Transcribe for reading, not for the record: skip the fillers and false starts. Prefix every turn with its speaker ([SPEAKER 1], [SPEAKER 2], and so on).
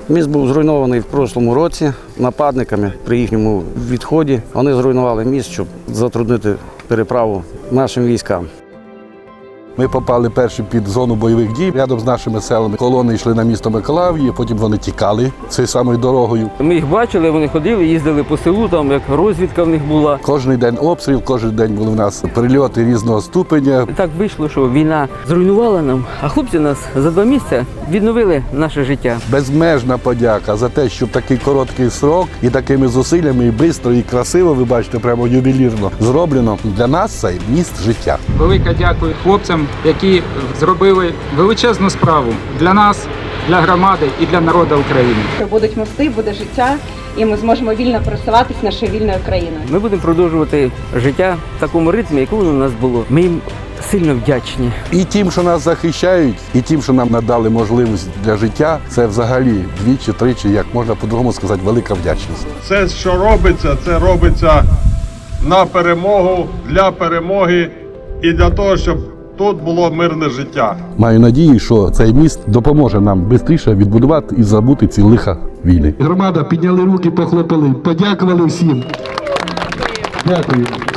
[SPEAKER 1] Міст був зруйнований в прошлому році нападниками при їхньому відході. Вони зруйнували міст, щоб затруднити переправу нашим військам.
[SPEAKER 2] Ми попали перші під зону бойових дій. Рядом з нашими селами колони йшли на місто Миколаїв, потім вони тікали цією самою дорогою.
[SPEAKER 3] Ми їх бачили, вони ходили, їздили по селу, там як розвідка в них була.
[SPEAKER 2] Кожен день обстріл, кожен день були в нас прильоти різного ступеня.
[SPEAKER 3] Так вийшло, що війна зруйнувала нам, а хлопці нас за 2 місяці відновили наше життя.
[SPEAKER 2] Безмежна подяка за те, що в такий короткий срок і такими зусиллями, і швидко, і красиво, ви бачите, прямо ювелірно зроблено для нас цей міст життя.
[SPEAKER 4] Велике дякую хлопцям, які зробили величезну справу для нас, для громади і для народу України.
[SPEAKER 5] Будуть мости, буде життя, і ми зможемо вільно просуватись нашою вільною країною.
[SPEAKER 3] Ми будемо продовжувати життя в такому ритмі, якому у нас було. Ми їм сильно вдячні.
[SPEAKER 2] І тим, що нас захищають, і тим, що нам надали можливість для життя, це взагалі двічі-тричі, як можна по-другому сказати, велика вдячність.
[SPEAKER 6] Все, що робиться, це робиться на перемогу, для перемоги і для того, щоб тут було мирне життя.
[SPEAKER 2] Маю надію, що цей міст допоможе нам швидше відбудувати і забути ці лиха війни. Громада підняли руки, похлопали, подякували всім. Дякую.